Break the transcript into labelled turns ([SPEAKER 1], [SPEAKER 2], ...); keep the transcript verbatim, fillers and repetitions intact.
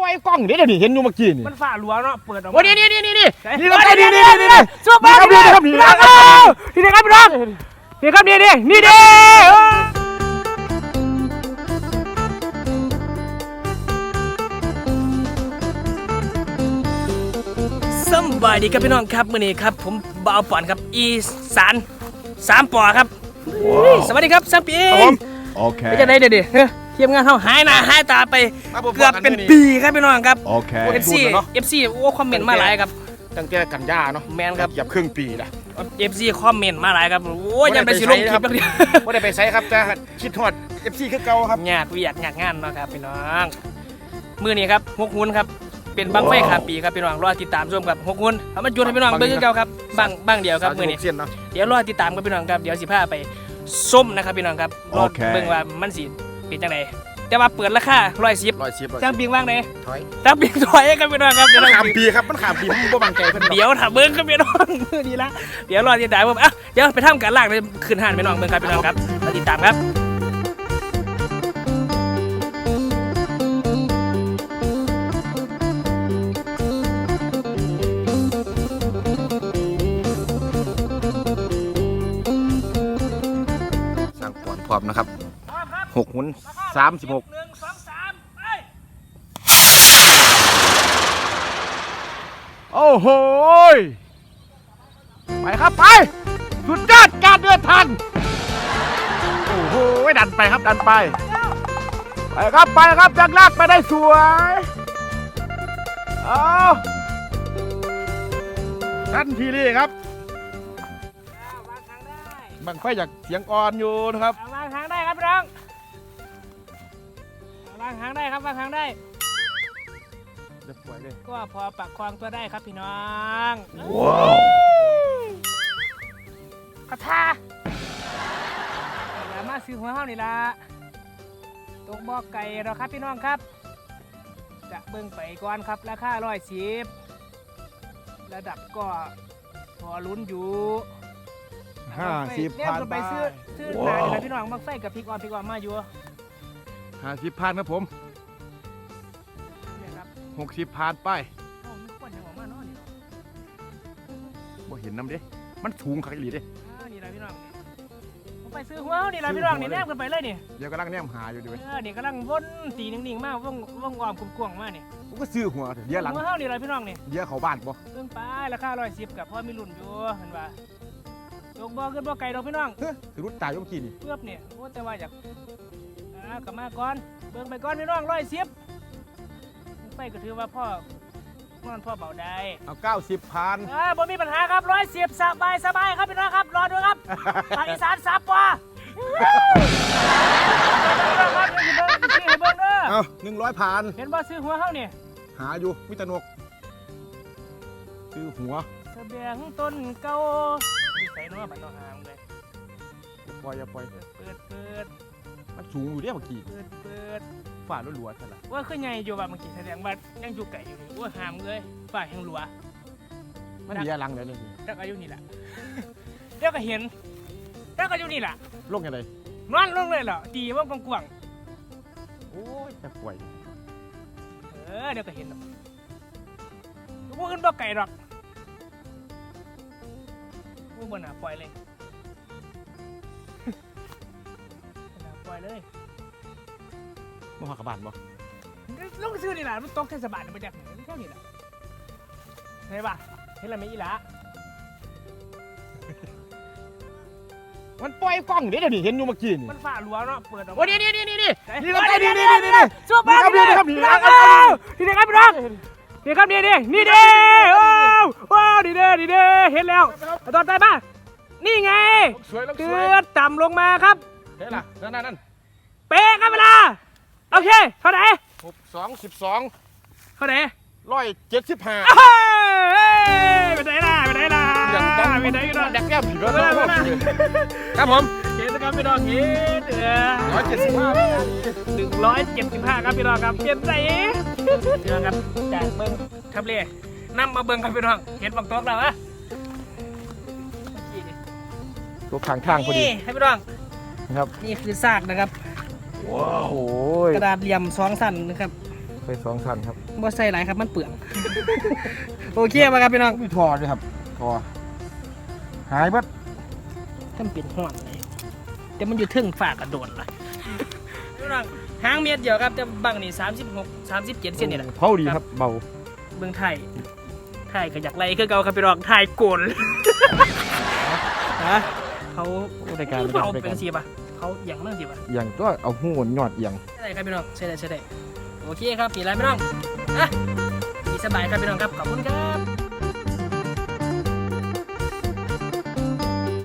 [SPEAKER 1] อยกล้องเดี๋ยวนี่เห็นอยู่เมื่อกี้นี่
[SPEAKER 2] มันฝ่าหลวงเนาะเปิดออก
[SPEAKER 1] โอ้นี่นี่นี่นี่นี่นี่ครับนี่นี่นี่นี่
[SPEAKER 2] สู้บ้านี่ครับนี่ครับนี่ครับพี่น้องนี่ครับนี่นี่นี่เด้สบายดีครับพี่น้องครับมื้อนี้ครับผมบ่าวป่อนครับอีสานสามปอครับสวัสดีครับซัมปี
[SPEAKER 1] โอเค
[SPEAKER 2] ไม่จะได้เด็ดๆทีมงานเขาหายหน้าหายตาไปเกือบเป็นปีครับพี่น้องครับ
[SPEAKER 1] โอเค
[SPEAKER 2] เอฟซีเอฟซีโอ้คอมเมนต์มาหลายครับ
[SPEAKER 1] ตั้งแต่กันยาเนาะ
[SPEAKER 2] แมนครับ
[SPEAKER 1] หยับครึ่งปีละ
[SPEAKER 2] เอฟซีคอมเมนต์มาหลายครับโอ้ยยังไปสิลงคลิปแล้วเดียว
[SPEAKER 1] ไม่ได้ไปใช้ครับแต่คิดทอดเอฟซีคือเก่าครับ
[SPEAKER 2] ยากวิยากยากงานเนาะครับพี่น้องมื้อนี้ครับหกหุ้นครับเป็นบังไฟขาปีครับพี่น้องรอติดตามชมกับหกหุ้นเอามาจุดให้พี่น้องเบิ่งคือเก่าครับบังบังเดียวครับมื้อนี้เดี๋ยวรอติดตามกับพี่น้องครับเดี๋ยวสิพาไปส้มนะครับพี่น้องครับรอเบิ่งว่ามันสิเป็นจังไดแต่ว่าเปิดราคาร้อยสิบจ้างปิงว่างไหน
[SPEAKER 1] ถอย
[SPEAKER 2] จ้างปิงถอยครับพี่น้องครับเดี๋ยว
[SPEAKER 1] ขามปีครับมันขามปีมันบ่บังใจเพิ่น
[SPEAKER 2] เดี๋ยวถ้าเบิ่งครับพี่น้องดีละเดี๋ยวรอติดตามผมอ่ะเดี๋ยวไปทำการล่างเลยขึ้นห่านพี่น้องเบิ่งครับพี่น้องครับมาติดตามครับ
[SPEAKER 1] สร้างปอนพร้อมนะครับหกหุ้นสามสิบหกโอ้โหไปครับไปสุดยอดการเดินทางโอ้โหดันไปครับดันไปไปครับไปครับจักรลากไปได้สวยเอาทันทีนี้ครับบังไฟจากเสียงอ่อนอยู่นะครับ
[SPEAKER 2] วางทางได้ครับพี่น้องวางทางได้ครับวางทางได้ก็พอปักคลองตัวได้ครับพี่น้อง
[SPEAKER 1] ว้าว
[SPEAKER 2] กระทาอย่ามาซื้อหัวเฮ้านี่ละตกบ่อไก่เราครับพี่น้องครับจะเบิ่งไปก่อนครับราคาร้อยสิบระดับก็พอลุ้นอยู่
[SPEAKER 1] ห้าสิบพัน
[SPEAKER 2] ไปซื้อซื้อหนาเลยพี่น้องมักไส้กับพริกอ่อนพริกอ่อนมาอยู่
[SPEAKER 1] ห้าสิบพันครับผมหกสิบพันไปบ่เห็นน้ำเด้มันสูงขักอีหลีเด้
[SPEAKER 2] นี่แหละพี่น้องผมไปซื้อหัวนี่แหละพี่น้องนี่แนบกันไปเลยนี่
[SPEAKER 1] เดี๋ยวกำลังแนมหาอยู่ด้วย
[SPEAKER 2] เออนี่กำลังวนตีนิ่งๆมากว่องว่องอ่อมกลมๆมากนี่
[SPEAKER 1] ผมก็ซื้อหัวเดี๋ยวหลัง
[SPEAKER 2] หัวเฮานี่แหละพี่น้องนี่
[SPEAKER 1] เดี๋ยวเขาบ้านบ่
[SPEAKER 2] เพิ่งไปราคาร้อยสิบกับพ่อมีรุ่นอยู่เห็นป่ะตกบ่อขึ้นบ่อไก่ดอกพี่น้อง
[SPEAKER 1] เฮ้ยถือรุ่นตายยมกี้นี่
[SPEAKER 2] เพื่อเนี่ยโอ้แต่ว่าอยากอ่ากลับมาก่อนเบิ่งไปก่อนพี่น้องร้อยสิบไปก็ถือว่าพ่อนอนพ่อเบาได้
[SPEAKER 1] เอาเก้าสิบพัน
[SPEAKER 2] อ่าบ่มีปัญหาครับร้อยสิบสบายสบายครับพี่น้องครับรอดูครับภาคอีสานสามปอ
[SPEAKER 1] เอาหนึ่งร้อยพัน
[SPEAKER 2] เห็นบ่ซื้อหัวเฮานี่
[SPEAKER 1] หาอยู่มิตรนกซื้อหัว
[SPEAKER 2] เสบียงต้นเก่าอยู่ใส่เนาะบ้านนอกหางเลย
[SPEAKER 1] อย่าปล่อยอย่าปล่อย
[SPEAKER 2] เปิดเปิด
[SPEAKER 1] มันสูงอยู่เด้เมื่อกี้
[SPEAKER 2] เปิดเปิด
[SPEAKER 1] ฝ่าล้วนๆใช่ไหม
[SPEAKER 2] ว่าขึ้นใหญ่อยู่แบบเมื่อกี้แสดงว่ายังอยู่ไก่อยู่ว่าหามเลยฝ่ายังหลัว
[SPEAKER 1] มันมีอะไรเลยนี่
[SPEAKER 2] แล้วก็อยู่นี่แหละแล้วก็เห็นแล้วก็อยู่นี่แหละ
[SPEAKER 1] ลงยังไง
[SPEAKER 2] นอนลงเลยเหรอตีว่ากว้าง
[SPEAKER 1] โอ้ยจะป่วย
[SPEAKER 2] เออเดี๋ยวก็เห็นหรอกว่าขึ้นบ่ไก่หรอกว่าบนหาปล่อยเลยปล่อยเลย
[SPEAKER 1] มาหากระบาดบ่
[SPEAKER 2] ลงซื้อนี่แหละมันตกเทศบาลมาจากไหนแค่นี้แหละเห็นป่ะเห็นอะไรไหมอีหละ
[SPEAKER 1] มันปล่อยกล้องเดี๋ยวนี่เห็นอยู่เมื่อกี้นี่
[SPEAKER 2] มันฝ่าหลวงเนาะเปิดออก
[SPEAKER 1] โอ้นี่นี่นี่นี่นี่
[SPEAKER 2] นี่ครับนี่นี่นี่นี่สู้บ้านี่ครับนี่ครับนี่ครับพี่น้องนี่ครับนี่นี่นี่เด้โอ้โอ้นี่เด้นี่เด้เห็นแล้วตอนใจป่ะนี่ไงเกือบต่ำลงมาครับ
[SPEAKER 1] เห็นล่ะนั่นนั่น
[SPEAKER 2] เป๊ะครับเวลาโอเคเท่าไหร่
[SPEAKER 1] หกสองสิบสอง
[SPEAKER 2] เท่าไหร่
[SPEAKER 1] ร้อยเจ็ดสิบห้า
[SPEAKER 2] ไปไหนล่ะไปไหนล่ะไปไหนกัน
[SPEAKER 1] ดักแก้มผีก็ได้
[SPEAKER 2] ครับผมเห็นนะครับพี่น้องเห็นเออ
[SPEAKER 1] ร้อยเจ็ดสิบห้า
[SPEAKER 2] หนึ่งร้อยเจ็ดสิบห้าครับพี่น้องครับเปลี่ยนใจพี่น้องครับจากเบิ้งทับเล่นำมาเบิ้งครับพี่น้องเห็นบังโต๊ะแล้วอะ
[SPEAKER 1] ตัวขางทางพอดี
[SPEAKER 2] ให้พี่น้อง
[SPEAKER 1] นะครับ
[SPEAKER 2] นี่คือซากนะครับ
[SPEAKER 1] ว้าว
[SPEAKER 2] กระดาษเหลี่ยมสองสั้นนะครับ
[SPEAKER 1] สไปสองคันครับ
[SPEAKER 2] บ่ใส่หลายครับมันเปลืองโอเคป่ะครับพี่น้อง
[SPEAKER 1] มีทอด้วยครับทอหายบัด
[SPEAKER 2] ถ้ามันเป็นห่อนเลยแต่มันอยู่ทึ่งฝากกระโดดล่ะพี่น้องหางเม็ดเดียวครับแต่บังนี่สามสิบหก สามสิบเจ็ดเซนนี่แหละ
[SPEAKER 1] เผาดีครับเบา
[SPEAKER 2] เมืองไทยไทยก็อยากไล่คือเก่าครับพี่น้องไทยโกนฮะเขา
[SPEAKER 1] รายการ
[SPEAKER 2] เขาเป็นสีป่ะเขาอย่างมั่งสีป่ะ
[SPEAKER 1] อย่างตัวเอาหูหยอดอย่าง
[SPEAKER 2] ใช่ครับพี่น้องใช่ได้ใช่ได้โอเคครับปีไรพี่น้องอ่ะปีสบายครับพี่น้องครับขอบคุณครับ